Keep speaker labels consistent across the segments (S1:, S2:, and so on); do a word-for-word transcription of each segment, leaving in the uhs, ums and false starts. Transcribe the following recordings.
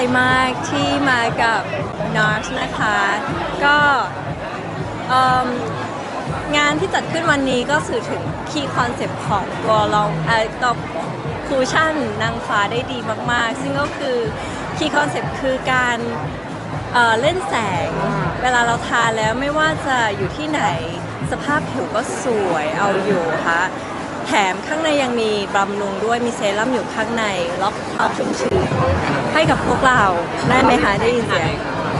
S1: มากที่มากับ นอร์ส นะคะก็งานที่จัดขึ้นวันนี้ก็สื่อถึงคีย์คอนเซปต์ของตัวเราเอ่อตัวคูชั่นนางฟ้าได้ดีมากๆซึ่งก็คือคีย์คอนเซปต์คือการเอ่อเล่นแสงเวลาเราทาแล้วไม่ว่าจะอยู่ที่ไหนสภาพผิวก็สวยเอาอยู่ค่ะแถมข้างในยังมีบำรุงด้วยมีเซรั่มอยู่ข้างในล็อกความชุ่มชื้นให้กับพวกเราได้ไหมคะได้ยินเสียง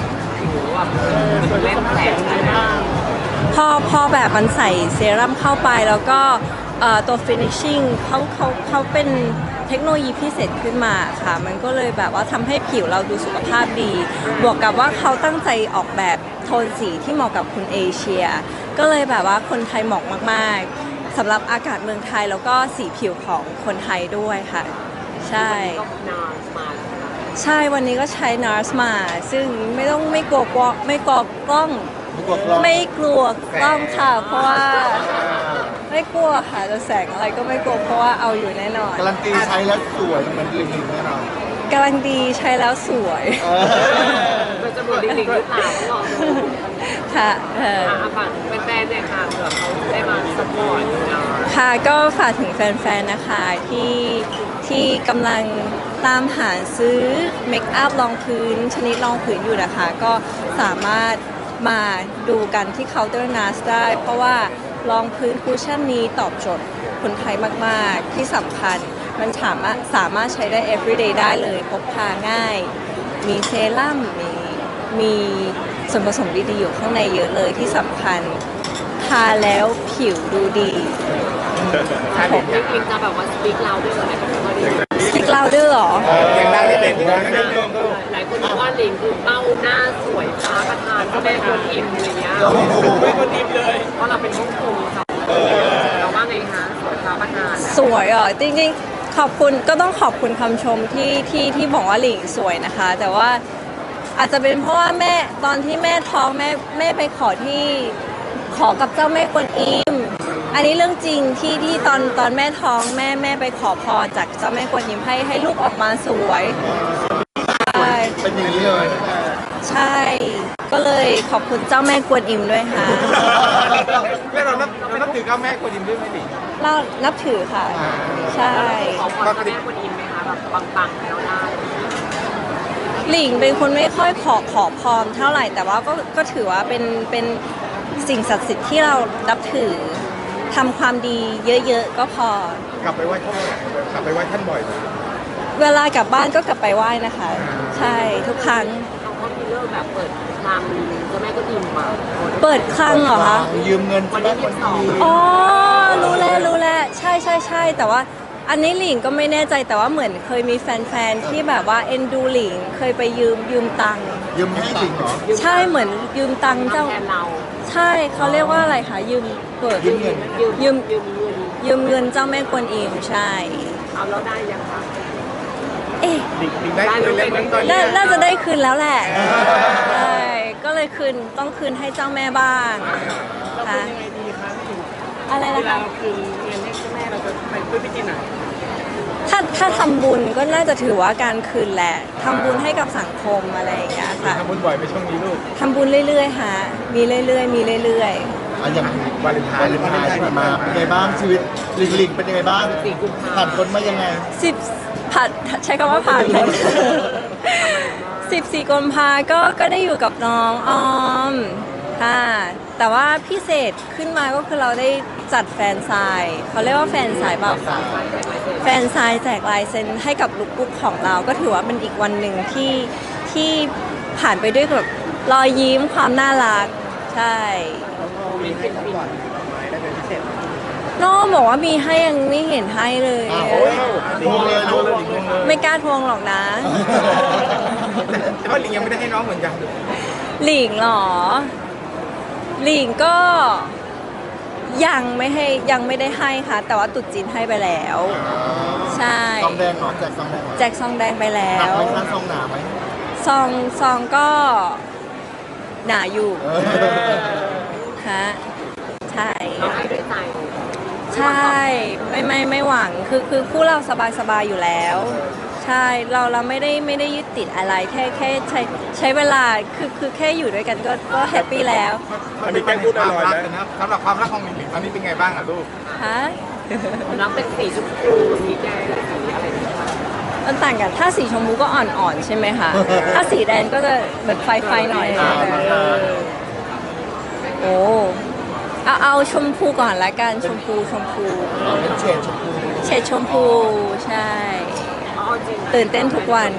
S2: เล่นแสง
S1: พอพอแบบมันใส่เซรั่มเข้าไปแล้วก็ตัว finishing เขาเขาเขาเป็นเทคโนโลยีพิเศษขึ้นมาค่ะมันก็เลยแบบว่าทำให้ผิวเราดูสุขภาพดีบวกกับว่าเขาตั้งใจออกแบบโทนสีที่เหมาะกับคนเอเชียก็เลยแบบว่าคนไทยเหมาะมากๆสำหรับอากาศเมืองไทยแล้วก็สีผิวของคนไทยด้วยค่ะใช่ใช่วันนี้ก็ใช้ นอร์ส มาซึ่งไม่ต้องไม่กลัวกล้องไม่กลัวกล้องไม่กลัวกล้องค่ะเพราะว่าไม่กลัวค่ะจะแสงอะไรก็ไม่กลัวเพราะว่าเอาอยู่แน่นอน
S3: การันตีใช้แล้วสวยเหมือนลิงลิงแน่นอน
S1: การันตีใช้แล้วสวย
S2: มันจะเหมือนลิงลิงหรือเปล่าก็ลองดู
S1: ค่ะ
S2: อ่ะฝากแฟนๆเนี่ยค่ะเผื่อเขาได้มาสปอร์ต
S1: ค่ะก็ฝากถึงแฟนๆนะคะที่ที่กำลังตามหาซื้อเมคอัพรองพื้นชนิดรองพื้นอยู่นะคะก็สามารถมาดูกันที่เคาน์เตอร์ นอร์ส ได้เพราะว่ารองพื้นคุชชั่นนี้ตอบโจทย์คนไทยมากๆที่สำคัญมันสามารถสามารถใช้ได้ everyday ได้เลยพกพาง่ายมีเซรั่มมีมีส่วนผสมดีๆอยู่ข้างในเยอะเลยที่สำคัญทาแล้วผิวดูดี
S2: ผมลิงลิงจะแบบว่าสปีกเราด้วยเหรอไหม
S1: สปีกเราด้วยเหรอ
S3: ยังดังไม่เป็น
S2: หลายคนบอกว่าลิงคือเป้าหน้าสวยฟ้าประธานก็แม่คนอิ่มอะไรเงี้ย
S3: ไม่คนอิ่มเลย
S2: เพราะเราเป็นฮ่องกงค่ะเราว่าไงคะสวยฟ้าประธาน
S1: สวยอ่ะจริงๆขอบคุณก็ต้องขอบคุณคำชมที่ที่ที่บอกว่าหลิงสวยนะคะแต่ว่าอาจจะเป็นเพราะว่าแม่ตอนที่แม่ท้องแม่แม่ไปขอที่ขอกับเจ้าแม่กวนอิมอันนี้เรื่องจริงที่ที่ตอนตอนแม่ท้องแม่แม่ไปขอพรจากเจ้าแม่กวนอิมให้ให้ลูกออกมาสวยใช่
S3: เป็นอย่างนี้เลย
S1: ใช่ก็เลยขอบคุณเจ้าแม่กวนอิมด้วยค่ะ
S3: แล้วเรานับเรานับถือเจ้าแม่กวนอิมด้วยไหมดิ
S1: เรานับถือค่ะใช่
S2: ขอพรเจ้าแม่กวนอิมไหมคะแบบปังๆแล้วได้
S1: หลิงเป็นคนไม่ค่อยขอขอพรเท่าไหร่แต่ว่าก็ก็ถือว่าเป็นเป็นสิ่งศักดิ์สิทธิ์ที่เรานับถือทำความดีเยอะๆก็พอก
S3: ลับไปไหว้ท่านกลับไปไหว้ท่านบ่อย
S1: เวลากลับบ้านก็กลับไปไหว้นะคะใช่ทุกครั้ง
S2: เขาก็มีเรื่องแบบเปิดคลังเจ้าแม่ก็อิ่มมา
S1: เปิดคลังเหรอคะ
S3: ยืมเงิน
S2: วันที่ยี่สิบสอง
S1: อ๋อรู้แล้วรู้แล้วใช่ใช่ใช่แต่ว่าอันนี้หลิงก็ไม่แน่ใจแต่ว่าเหมือนเคยมีแฟนๆที่แบบว่าเอ็นดูหลิงเคยไปยืมยืมตังค์
S3: ยืมให้จริงเหรอ
S1: ใช่เหมือนยืมตังค์เจ้าใช่เขาเรียกว่าอะไรคะยืมเปิด
S3: ยืมเงิน
S1: ยืมยืมเงินเจ้าแม่กวนอิมใช่
S2: เอาแล้วได้ยังคะ
S1: เอ๊ะ
S3: ได้คืนแล้ว
S1: น่าจะได้คืนแล้วแหละใช่ก็เลยคืนต้องคืนให้เจ้าแม่บ้างค่ะอะไรนะคะ
S2: คือเงินให้เจ้าแม่เราจะไปด้วยวิธีไหน
S1: ถ้าถ้าทำบุญก็น่าจะถือว่าการคืนแหละทำบุญให้กับสังคมอะไรอย่างเงี้ยค่ะ
S3: ทำบุญบ่อยไปช่วงนี้ลูก
S1: ทำบุญเรื่อยๆฮะมีเรื่อยๆมีเรื่อย
S3: ๆอย่างวาเลนไทน์วาเลนไทน์ที่มาเป็นไงบ้างชีวิตลิงลิงเป็นยังไงบ้างผ่านพ้นมายังไง
S1: สิบผ่านใช้คำว่าผ่านพ้นสิบสี่กุมภาก็ก็ได้อยู่กับน้องออมค่ะแต่ว่าพิเศษขึ้นมาก็คือเราได้จัดแฟนไซน์เขาเรียกว่าแฟนไซน์เปล่าแฟนไซน์แจกลายเซ็นให้กับลุคบุ๊กของเราก็ถือว่าเป็นอีกวันหนึ่งที่ที่ผ่านไปด้วยแบบรอยยิ้มความน่ารักใช่น้องบอกว่ามีให้ยังไม่เห็นให้เลยไม่กล้าทวงหรอกนะ
S3: แต่ว่าหลิงยังไม่ได้ให้น้องเหมือนกัน
S1: หลิงหรอหลิงก็ยังไม่ให้ยังไม่ได้ให้ค่ะแต่ว่าตุ๊ดจีนให้ไปแล้วใช่
S3: ซองแดงเหรอแจกซองแดง
S1: แจกซองแดงไปแล้ว
S3: หนักไหมคะซองหนาไหม
S1: ซองซองก็หนาอยู่ฮะใช่ใช่ไม่ไม่ไม่หวังคือคือคู่เราสบายสบายอยู่แล้วใช่เราเราไม่ได้ไม่ได้ยึดติดอะไรแค่แค่ใช้ใช้เวลาคือคือแค่อยู่ด้วยกันก็ก็แฮปปี้แล้ว
S4: มันมีแก้พูดลอยๆไหม
S3: นะสำหรับความรักของหลิงหลิงตอนนี้เป็นไงบ้างอ่ะลูก
S1: ฮะ
S2: น้ำเป็นสีชมพูสีแดงสีอะไรอย่างเงี้ยค่ะ
S1: มันต่างกันถ้าสีชมพูก็อ่อนๆใช่ไหมคะ ถ้าสีแดงก็จะเหมือนไฟไฟหน่อย
S3: อ่า
S1: เออโอ้เอาเอาชมพูก่อนละกันชมพูชมพู
S3: เป็นเฉดชมพู
S1: เฉดชมพูใช่
S2: อ๋อจริง
S1: ตื่นเต้นทุกวัน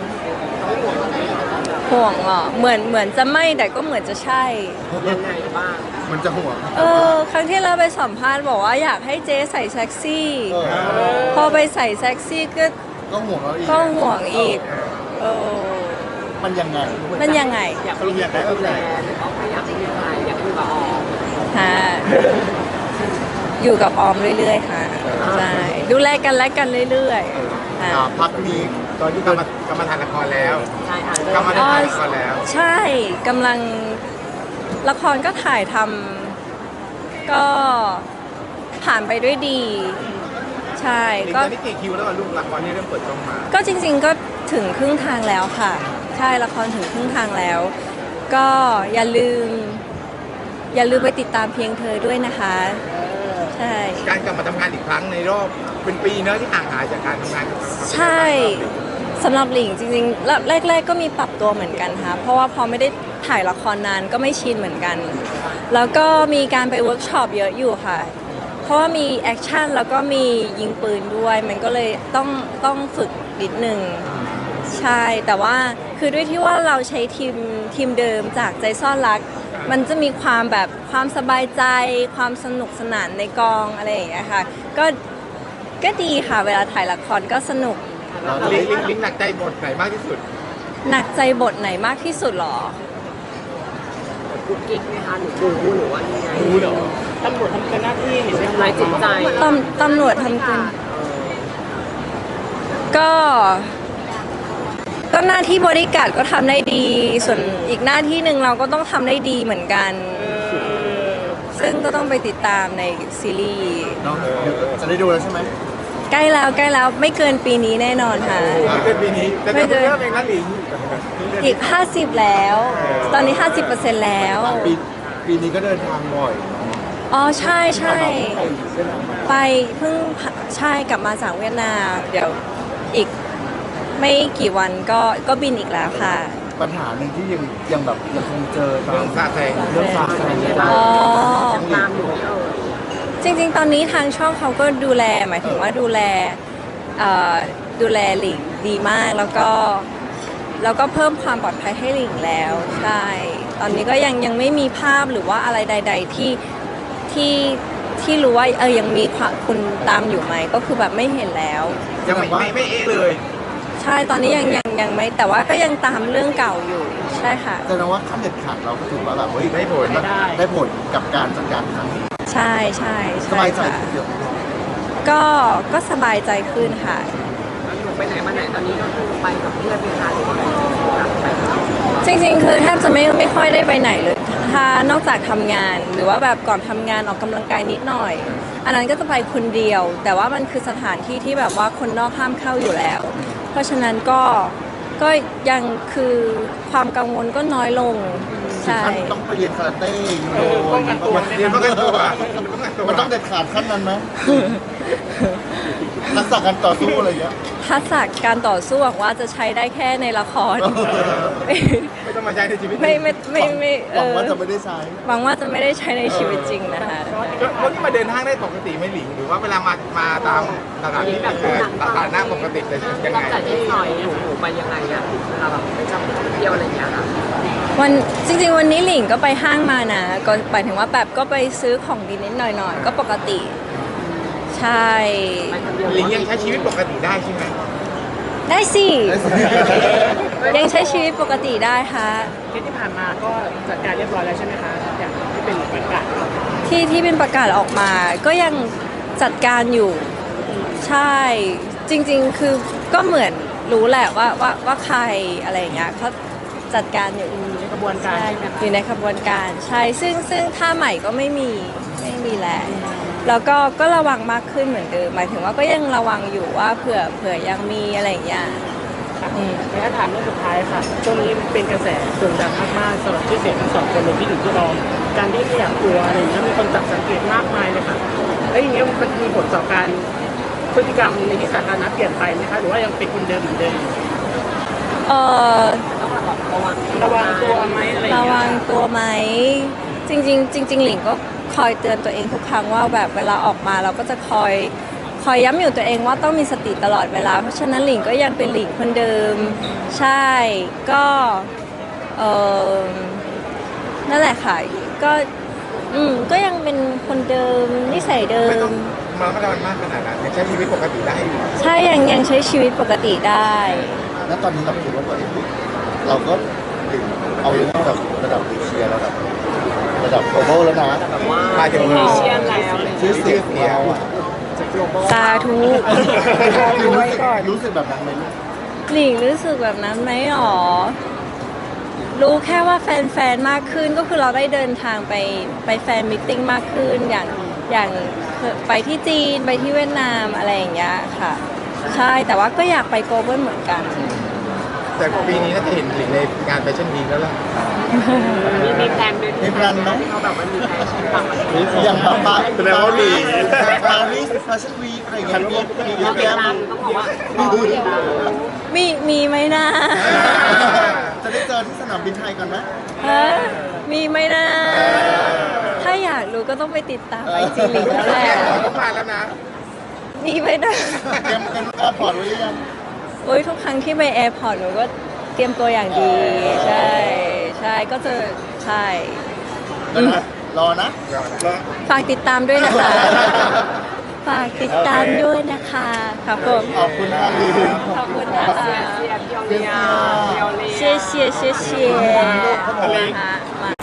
S1: ห่วงเหรอเหมือนเหมือนจะไม่แต่ก็เหมือนจะใช่
S2: ยังไงบ้าง
S3: มันจะห่วง
S1: เออครั้งที่เราไปสัมภาษณ์บอกว่าอยากให้เจ๊ใส่เซ็กซี่
S3: เออ
S1: พอไปใส่เซ็กซี่ก็
S3: ก็ห่วงเราอีก
S1: ก็ห่วงอีกเออ
S3: มันยังไง
S1: มันยังไง
S2: อยากมีคนดูแลหรือว่าไม่อยากให้มีใครอยากให้อยู่กับออม
S1: ฮะอยู่กับออมเรื่อยๆค่ะใช่ดูแลกันและกันเรื่อยๆค่ะ
S3: อ่าพักนี้ตอนที่กำลังกำลังถ่ายละครแล้ว
S2: ใช่อ่ะเริ่
S3: กำลัง
S2: ม
S3: ถ่ายละครแล้ว
S1: ใช่กำลังละครก็ถ่ายทำก็ผ่านไปด้วยดี ใช่
S3: หลิง
S1: ก็
S3: ตอนนี้กี่คิวแล้วอ่ะลูกละครนี่เริ่มเปิดกล้องมา
S1: ก็จริงๆก็ถึงครึ่งทางแล้วค่ะ ใช่ละครถึงครึ่งทางแล้ว ก็อย่าลืม อย่าลืมไปติดตามเพียงเธอด้วยนะคะ ใช่
S3: การกลับมาทำงานอีกครั้งในรอบเป็นปีเนอะที่ห่างหายจากการทำงาน
S1: ใช่สำหรับหลิงจริงๆแล้วแรก ๆ ก็มีปรับตัวเหมือนกันค่ะเพราะว่าพอไม่ได้ถ่ายละครนานก็ไม่ชินเหมือนกัน แล้วก็มีการไปเวิร์กช็อปเยอะอยู่ค่ะ เพราะว่ามีแอคชั่นแล้วก็มียิงปืนด้วย มันก็เลยต้องต้องฝึกนิดนึงใช่แต่ว่าคือด้วยที่ว่าเราใช้ทีมทีมเดิมจากใจซ่อนรัก มันจะมีความแบบความสบายใจ ความสนุกสนานในกองอะไรอย่างเงี้ยค่ะก็ก็ดีค่ะเวลาถ่ายละครก็สนุก
S3: ลิงลิงลิงหนักใจบทไหนมากที่สุด
S1: หนักใจบทไหนมากที่สุดหรอ
S2: กุ๊กกิ๊กไหมคะหนูดูหรือว่ายังไง
S4: รู้เหรอตำรวจทำเกินหน้าที่เห็นไหม
S2: ทำร้ายจิตใจ
S1: ตำตำรวจทำเกินก็ ก็หน้าที่บริการดก็ทำได้ดี ส่วนอีกหน้าที่หนึ่งเราก็ต้องทำได้ดีเหมือนกัน ซึ่งก็ต้องไปติดตามในซีรีส์
S3: เนาะจะได้ดูแล้วใช่ไหม
S1: ใกล้แล้วใกล้แล้วไม่เกินปีนี้แน่นอนค่ะ
S3: ไม่เกินปีนี้แต่
S1: ไม่
S3: เดี๋ยว
S1: เกิน
S3: เริ่มเองนะหลิง
S1: อีก ห้าสิบ แล้ว ตอนนี้ ห้าสิบเปอร์เซ็นต์ แล้ว
S3: ปีปีนี้ก็เดินทางบ่อย
S1: อ๋อใช่ใช่ ไปเพิ่งใช่กลับมาจากเวียดนาม เดี๋ยวอีกไม่กี่วันก็ก็บินอีกแล้วค่ะ
S3: ปัญหาหนึ่งที่ยังยังแบบยังคงเจอตามเรื่องซาแซงเรื่องซาแซง
S1: อ๋อ
S2: ยังตามอยู่ไหมเออ
S1: จริงๆ ตอนนี้ทางช่องเขาก็ดูแลหมายถึงว่าดูแลเอ่อดูแลหลิงดีมากแล้วก็แล้วก็เพิ่มความปลอดภัยให้หลิงแล้วใช่ ตอนนี้ก็ยังยังไม่มีภาพหรือว่าอะไรใด ๆที่ที่ที่รู้ว่าเออยังมีความคุณตามอยู่ไหมก็คือแบบไม่เห็นแล้ว
S3: ยังไม่ไม่ไม่เอะเลย
S1: ใช่ตอนนี้ยังยังยังไม่แต่ว่าก็ยังตามเรื่องเก่าอยู่ใช่ค่ะ
S3: แสดงว่าขั้นเด็ดขาดเราก็ถือว่าแบบเฮ้ยได้ผลได้ผลกับการจัดการครั้งนี้
S1: ใช่ใช่
S3: ส
S1: ใช่
S3: บายใจ
S1: ค่ะ
S3: เยอะ
S1: ก็ก็สบายใจขึ้นค่ะ
S2: แล้วหนูไปไหนมาไหนตอนนี้ก็คือไปกับเพื่อนไหมคะหรือว่าไปไปกับ
S1: จริงๆ คือแทบจะไม่ไม่ค่อยได้ไปไหนเลย ถ้านอกจากทำงานหรือว่าแบบก่อนทำงานออกกำลังกายนิดหน่อย อันนั้นก็จะไปคนเดียว แต่ว่ามันคือสถานที่ที่แบบว่าคนนอกห้ามเข้าอยู่แล้ว เพราะฉะนั้นก็ก็ยังคือความกังวลก็น้อยลง ใช่
S3: ท่านต้องไปเรียนคาราเต้ยูโดเรียนป้องกันตัวมันต้องเด็ดขาดขั้นนั้นไหมทักษะการต่อสู้อะไรอย่างเงี้ย
S1: ทักษะการต่อสู้หวังว่าจะใช้ได้แค่ในละคร
S3: ไม่ต้องมาใช้ในชีวิต
S1: ไม่ไม่ไม่ไม่
S3: หวังว่า
S1: เออ
S3: จะไม่ได้ใช้
S1: หวังว่าจะไม่ได้ใช้ในชีวิตจริงนะคะ
S3: แล้วนี่มาเดินห้างได้ปกติไหม่หลิงหรือว่าเวลามามาตามสถานที่แบบสถานหน้าปกติเลยยัง
S2: นอก
S3: ไง
S2: จากที่หน่อยหนูหนูไปยังไงอะเวลาแบบไปท่องเที่ยวอะไรอย่างเงี้ยค่ะ
S1: วันจริงๆ วันนี้หลิงก็ไปห้างมานะก็หมายถึงว่าแบบก็ไปซื้อของดีนิดหน่อยๆ ก็ปกติ ใช่
S2: ไปคนเดียว
S3: หลิงยังใช้ชีวิตปกติได้ใช่ไหม
S1: ได้สิ ยังใช้ชีวิตปกติได้ค่ะ
S4: เคสที่ผ่านมาก็จัดการเรียบร้อยแล้วใช่ไหมคะอย่างที่เป็นประกาศ
S1: ที่ที่เป็นประกาศออกมา ก็ยังจัดการอยู่ ใช่ จริงๆ คือก็เหมือนรู้แหละว่าว่าว่าใครอะไรอย่างเงี้ยเขาจัดการอยู่
S4: ในกระบวนการ
S1: ใช่
S4: ใช่ไหมคะ
S1: อยู่ในขบวนการใช่ซึ่งซึ่งท่าใหม่ก็ไม่มีไม่มีแล้วแล้วก็ก็ระวังมากขึ้นเหมือนเดิมหมายถึงว่าก็ยังระวังอยู่ว่าเผื่อเผื่อยังมีอะไรอย่างเงี้ยอืม
S4: ในถามเรื่องสุดท้ายค่ะช่วงนี้เป็นกระแสโด่งดังมากๆสำหรับชื่อเสียงทั้งสองคนเลยที่อยู่ที่รองการที่ไม่อยากกลัวอะไรอย่างเงี้ยมีคนจับสังเกตมากมายเลยค่ะแล้วอย่างเงี้ยมันมีผลต่อการพฤติกรรมในที่สาธารณะเปลี่ยนไปไหมคะหรือว่ายังเป็นคนเดิมเหมือนเดิม
S1: เออ
S2: ต้องแบบระวัง
S4: ระวังตัวไหมอะไรอย่าง
S1: ระ
S4: เงี้ย
S1: วังตัวไหมจริงๆจริงๆหลิงก็คอยเตือนตัวเองทุกครั้งว่าแบบเวลาออกมาเราก็จะคอยคอยย้ำอยู่ตัวเองว่าต้องมีสติตลอดเวลาเพราะฉะนั้นหลิงก็ยังเป็นหลิงคนเดิมใช่ก็เออนั่นแหละค่ะก็อืมก็ยังเป็นคนเดิมนิสัยเดิ
S3: ไม่ต้อ
S1: ม
S3: งมาระมัดระวังมากขนาดนั้นยังใช้ชีวิตปกติได้อยู่
S1: ใช่ยังยังใช้ชีวิตปกติได้
S5: แล้วตอนนี้เราคิดว่าตัวเองเราก็ถึงเอาเรื่องระดับระดับเอเชียระดับระดับ global แล้วนะ
S2: แบบว่า
S3: มาถึง
S2: เอเชียนแล้วอะไรอย่าง
S5: ชื่
S2: เงี้
S5: อย เสียงของเราอ่ะ
S1: สาธุ
S5: รู้สึกรู้สึกแบบนั้นไหมลูก
S1: หลิงรู้สึกแบบนั้นไหมหรอ รู้แค่ว่าแฟนๆ มากขึ้นก็คือเราได้เดินทางไปไปแฟนมิทติ้งมากขึ้นอย่างอย่างไปที่จีนไปที่เวียดนามอะไรอย่างเงี้ยค่ะ ใช่แต่ว่าก็อยากไปโกลบอลเหมือนกัน
S3: แต่ปีนี้น่าจะเห็นหลิงในงานแฟชั่นวีคแล้วล่ะ
S2: มีมีแพลนด้วย
S5: มีแพลนไหม
S2: ที่เขาแบบว่ามีแพลนต่างประเทศ
S5: อย่างปาปา
S3: แสดงว่ามี
S5: ปารีสแฟชั่นวีคอะไรอย่างเงี้ยมีมีเย
S2: เรา
S5: อะ
S2: ติด
S5: แยะ
S2: ตามต้องบอกว่าเราติดตาม
S1: มีมีไหมนะ
S5: จะได้เจอที่สนามบินไทยก่อนไหม
S1: ฮะมีไหมนะ ถ้าอยากรู้ก็ต้องไปติดตามไอจีหลิงแล้วแหละ
S3: ต้องมาแล้วนะ
S1: มีไหมนะ
S5: เตรียมเตรียมแอร์พอร์ตไว้หรือยัง
S1: โอ้ยทุกครั้งที่ไปแอร์พอร์ตหนูก็เตรียมตัวอย่างดี ใช่ใช่ก็จะใช่
S5: แล้วนะรอนะ
S1: ฝากติดตามด้วยนะคะ ฝากติดตามด้วยนะคะครับผม
S5: ขอบคุณค่ะ
S1: ขอบคุณนะคะ
S2: เชียร์เพียวเลียเพียวเลีย
S1: 谢谢谢谢，好啦，